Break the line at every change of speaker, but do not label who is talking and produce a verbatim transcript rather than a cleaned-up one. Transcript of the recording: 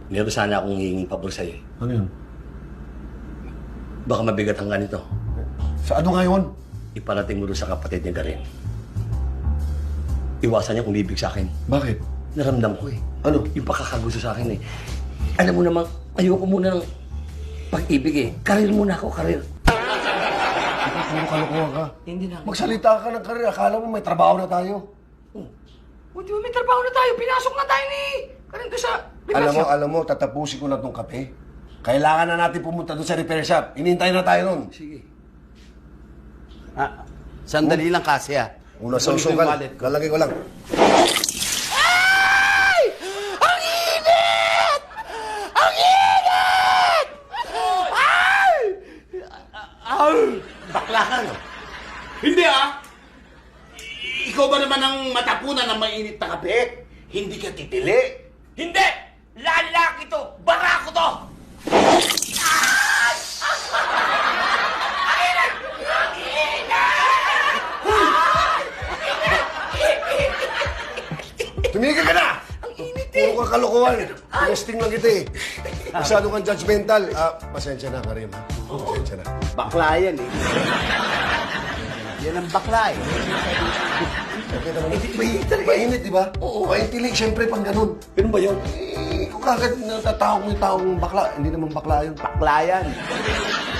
Meron sana akong hinging pabor sa'yo eh.
Ano yun?
Baka mabigat ang ganito.
Sa ano ngayon?
Iparating mo doon sa kapatid niya Garin. Iwasan niya kung ibig sa akin.
Bakit?
Naramdam ko eh.
Ano?
Yung pakakagusto sa akin eh. Alam mo namang, ayoko muna ng pag-ibig eh. Karir muna ako, karir.
Ikaw, puro kalokohan ka.
Hindi na.
Magsalita ka ng karir. Akala mo may trabaho na tayo.
Oh. O, di ba may trabaho na tayo? Pinasok na tayo ni Karin doon sa repair
Alam mo,
shop.
alam mo, tatapusin ko na itong kape. Kailangan na natin pumunta doon sa repair shop. Hinihintay na tayo nun.
Sige.
Ah, sandali lang kasi ah.
Una
Kunin ko yung
sausukan.
wallet ko.
Lalagay ko lang.
Ay! Ang init! Ang init! Ay! Ay!
Bakla ka, no?
Hindi ah! I- Ikaw ba naman ang matapunan ng mainit na kape? Hindi ka titili?
Hindi! Lalaki to! Barako to!
Tumigil ka na!
Ang init eh!
Puro ka kalokohan. Testing lang kita eh. Masyado kang judgmental. Ah, pasensya na, Karim. ha? Pasensya na.
Bakla yan eh. Yan ang bakla eh.
Okay naman. Mainit talaga. Mainit, di ba? Oo. Maintili, siyempre, pang ganun.
Ganun ba yun?
Eh, kung kagad natatawag mo yung taong bakla, hindi naman bakla yun.
Bakla yan.